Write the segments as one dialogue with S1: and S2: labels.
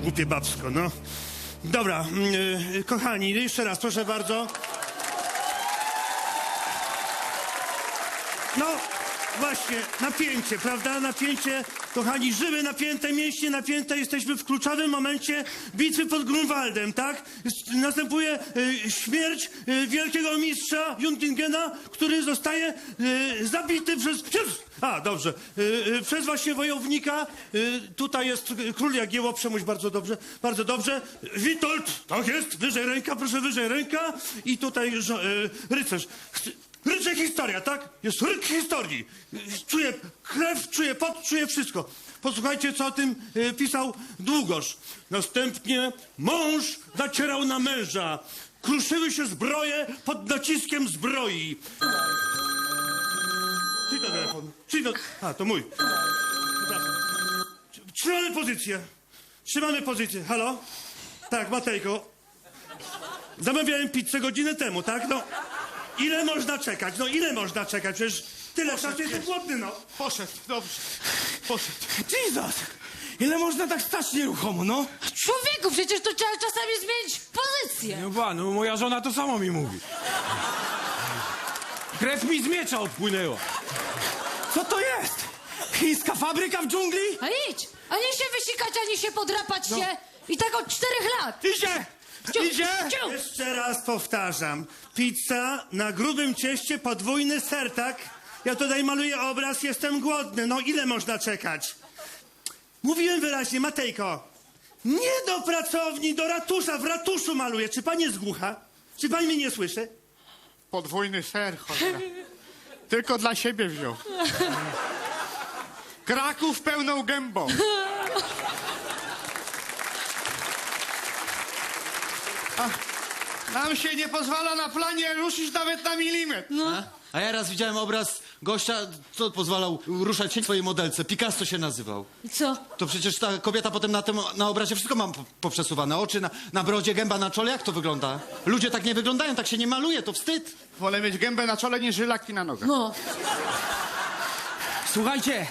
S1: głupie babsko, no. Dobra, kochani, jeszcze raz, proszę bardzo. No, właśnie, napięcie, prawda? Napięcie, kochani, żyły napięte, mięśnie napięte. Jesteśmy w kluczowym momencie bitwy pod Grunwaldem, tak? Następuje śmierć wielkiego mistrza Jundingena, który zostaje zabity przez właśnie wojownika. Tutaj jest król Jagiełło, Przemuś, bardzo dobrze, bardzo dobrze. Witold, tak jest, wyżej ręka, proszę, wyżej ręka. I tutaj rycerz. Ryczy historia, tak? Jest ryk historii. Czuję krew, czuję pot, czuję wszystko. Posłuchajcie, co o tym pisał Długosz. Następnie mąż nacierał na męża. Kruszyły się zbroje pod naciskiem zbroi. Czyj to telefon? A, to mój. Przepraszam. Trzymamy pozycję. Trzymamy pozycję. Halo? Tak, Matejko. Zamawiałem pizzę godzinę temu, tak? No. Ile można czekać? No ile można czekać? Przecież tyle czasu jestem głodny, no.
S2: Poszedł, dobrze. Poszedł.
S3: Jesus! Ile można tak stać nieruchomo, no?
S4: Człowieku, przecież to trzeba czasami zmienić pozycję.
S3: No moja żona to samo mi mówi. Krew mi z miecza odpłynęła. Co to jest? Chińska fabryka w dżungli?
S4: A idź, ani się wysikać, ani się podrapać się. I tak od 4 lat.
S3: Idzie! Idzie!
S1: Jeszcze raz powtarzam. Pizza na grubym cieście, podwójny ser, tak? Ja tutaj maluję obraz, jestem głodny. No ile można czekać? Mówiłem wyraźnie, Matejko. Nie do pracowni, do ratusza. W ratuszu maluję. Czy pani jest głucha? Czy pani mnie nie słyszy?
S2: Podwójny ser, cholera. Tylko dla siebie wziął. Kraków pełną gębą. Nam się nie pozwala na planie ruszyć nawet na milimetr.
S5: A ja raz widziałem obraz gościa, co pozwalał ruszać się swojej modelce. Picasso się nazywał.
S4: I co?
S5: To przecież ta kobieta potem na obrazie wszystko ma poprzesuwane. Oczy na brodzie, gęba na czole. Jak to wygląda? Ludzie tak nie wyglądają, tak się nie maluje, to wstyd.
S2: Wolę mieć gębę na czole niż żylaki na nogach.
S4: No.
S3: Słuchajcie.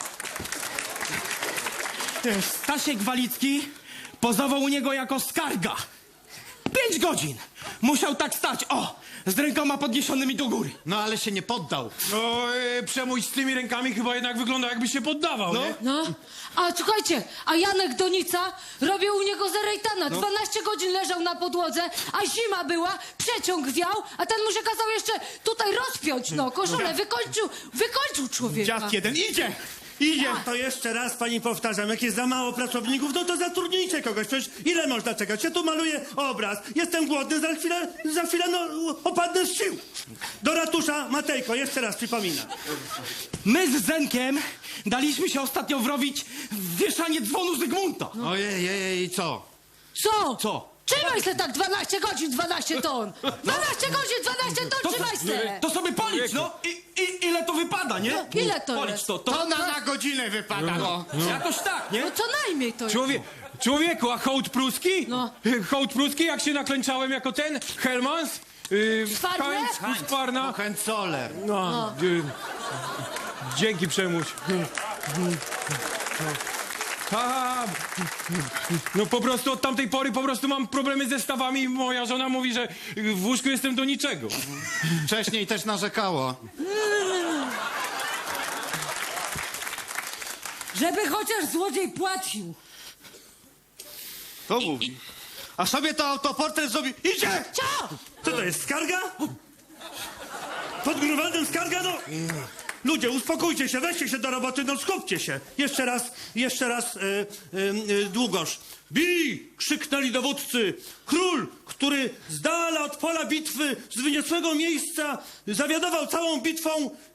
S3: Stasiek Walicki pozował u niego jako skarga. 5 godzin. Musiał tak stać, z rękoma podniesionymi do góry.
S5: No ale się nie poddał.
S6: No, Przemuś z tymi rękami chyba jednak wygląda, jakby się poddawał, nie?
S4: No. A słuchajcie, a Janek Donica robił u niego zerejtana. 12 godzin leżał na podłodze, a zima była, przeciąg wiał, a ten mu się kazał jeszcze tutaj rozpiąć, koszulę. Wykończył człowieka.
S2: Dziad jeden idzie! Idzie!
S1: To jeszcze raz pani powtarzam, jak jest za mało pracowników, no to zatrudnijcie kogoś. Przecież ile można czekać? Ja tu maluję obraz, jestem głodny, za chwilę opadnę z sił. Do ratusza, Matejko, jeszcze raz przypominam.
S3: My z Zenkiem daliśmy się ostatnio wrobić w wieszanie dzwonu Zygmunta.
S5: Ojej, i co?
S4: Co?
S3: Co?
S4: Trzymaj se tak 12 godzin, 12 ton. 12 godzin, 12 ton, trzymaj se.
S3: To sobie policz, no. Ile to wypada, nie?
S4: Ile to
S3: Policz
S4: jest?
S3: to.
S2: Tona na godzinę wypada, no.
S3: Jakoś tak, nie?
S4: No co najmniej to jest.
S6: Człowieku, a hołd pruski?
S4: No.
S6: Hołd pruski, jak się naklęczałem jako ten Helmans?
S4: Szwarne?
S6: Heinz,
S5: Hohenzoller.
S6: No. Dzięki, Przemuś. No po prostu od tamtej pory mam problemy ze stawami i moja żona mówi, że w łóżku jestem do niczego.
S5: Wcześniej też narzekało.
S4: Żeby chociaż złodziej płacił.
S2: To mówi.
S1: A sobie to autoportret zrobi. Idzie!
S4: Co?
S1: Co to jest, skarga? Pod Grunwaldem skarga? No. Ludzie, uspokójcie się, weźcie się do roboty, no skupcie się. Jeszcze raz, Długosz. Bij! Krzyknęli dowódcy. Król, który z dala od pola bitwy, z wyniosłego miejsca, zawiadował całą bitwą.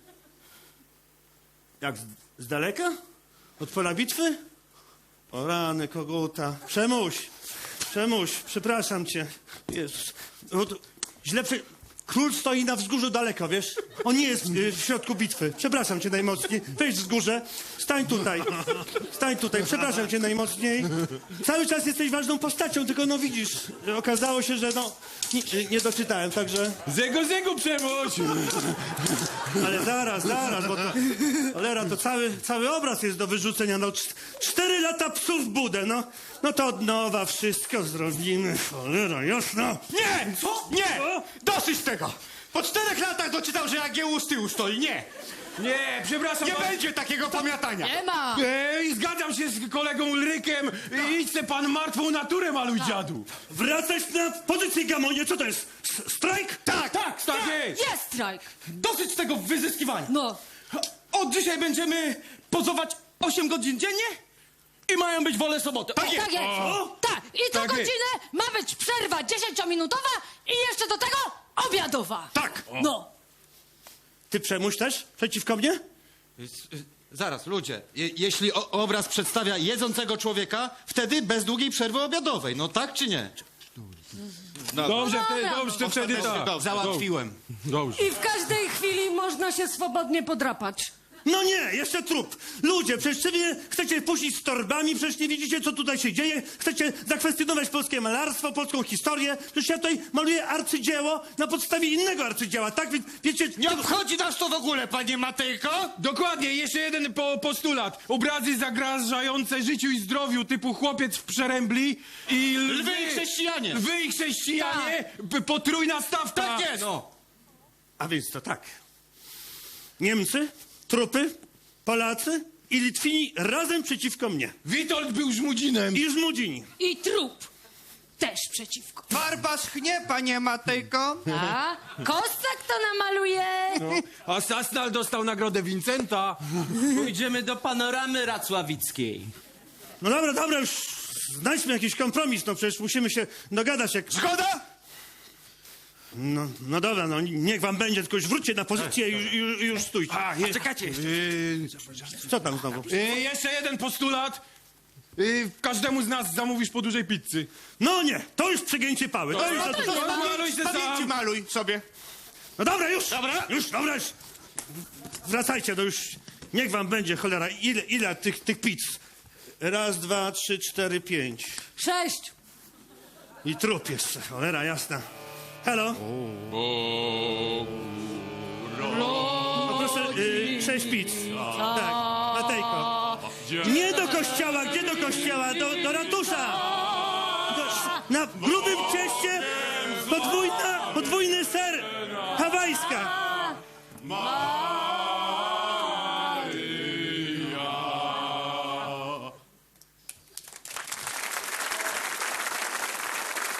S1: Jak, z daleka? Od pola bitwy? O rany, koguta. Przemuś, przepraszam cię. Jezus. No to Król stoi na wzgórzu daleko, wiesz? On nie jest w środku bitwy. Przepraszam cię najmocniej. Wejdź wzgórze. Stań tutaj. Stań tutaj. Przepraszam cię najmocniej. Cały czas jesteś ważną postacią, tylko no widzisz, okazało się, że no nie doczytałem, także...
S6: Zego, Przemoś!
S1: Ale zaraz, bo to... Cholera, to cały obraz jest do wyrzucenia. No 4 lata psów w budę, no. No to od nowa wszystko zrobimy. Cholera, jasno.
S2: Nie!
S1: Co?
S2: Nie!
S1: Co?
S2: Dosyć tego! Po 4 latach doczytał, że Jagiełło z tyłu stoi. Nie!
S6: Nie, przepraszam.
S2: Nie będzie takiego pamiętania!
S4: Nie ma!
S6: Zgadzam się z kolegą Ulrykiem. Idź se pan martwą naturę maluj, dziadu.
S1: Wracać na pozycję, Gamonie. Co to jest? Strajk?
S6: Tak, jest.
S4: Jest strajk!
S3: Dosyć tego wyzyskiwania.
S4: No.
S3: Od dzisiaj będziemy pozować 8 godzin dziennie i mają być wolne soboty.
S4: Tak jest! Tak! I co
S6: Tak jest.
S4: godzinę ma być przerwa 10-minutowa i jeszcze do tego obiadowa!
S1: Tak.
S4: No.
S1: Ty Przemuś też? Przeciwko mnie?
S5: Zaraz, ludzie, jeśli obraz przedstawia jedzącego człowieka, wtedy bez długiej przerwy obiadowej, no tak czy nie?
S6: Dobrze,
S4: Dobra.
S6: wtedy tak.
S5: Załatwiłem.
S6: Dobrze.
S4: I w każdej chwili można się swobodnie podrapać.
S1: No nie, jeszcze trup. Ludzie, przecież wy mnie chcecie puścić z torbami, przecież nie widzicie, co tutaj się dzieje. Chcecie zakwestionować polskie malarstwo, polską historię. Przecież ja tutaj maluję arcydzieło na podstawie innego arcydzieła, tak? Więc wiecie...
S2: Nie obchodzi nas to w ogóle, panie Matejko!
S6: Dokładnie, jeszcze jeden postulat. Obrazy zagrażające życiu i zdrowiu, typu chłopiec w przerębli i
S5: Lwy i chrześcijanie.
S6: Lwy i chrześcijanie, potrójna stawka.
S5: Tak jest.
S6: No.
S1: A więc to tak. Niemcy, trupy, Polacy i Litwini razem przeciwko mnie.
S6: Witold był żmudzinem.
S1: I Żmudzini.
S4: I trup też przeciwko.
S2: Farba schnie, panie Matejko!
S4: A? Kostak to namaluje.
S6: A Sasnal dostał nagrodę Vincenta.
S3: Pójdziemy do panoramy racławickiej.
S1: No dobra, już znajdźmy jakiś kompromis, no przecież musimy się dogadać jak...
S2: Zgoda?
S1: No dobra, no niech wam będzie, tylko już wróćcie na pozycję i już stójcie.
S6: Czekajcie.
S1: Co tam znowu?
S6: Jeszcze jeden postulat. Każdemu z nas zamówisz po dużej pizzy.
S1: No nie, to już przegięcie pały. To już,
S6: Maluj się
S2: Pamięci
S6: sam.
S2: maluj sobie.
S1: no dobra, już. Dobra. Wracajcie, no już niech wam będzie, cholera, ile tych pizz? 1, 2, 3, 4, 5.
S4: 6.
S1: I trup jeszcze, cholera jasna. Halo? No proszę, 6 pizz. Tak, Matejko. Nie do kościoła, gdzie do kościoła? Do ratusza. Na grubym cieście podwójny ser hawajska.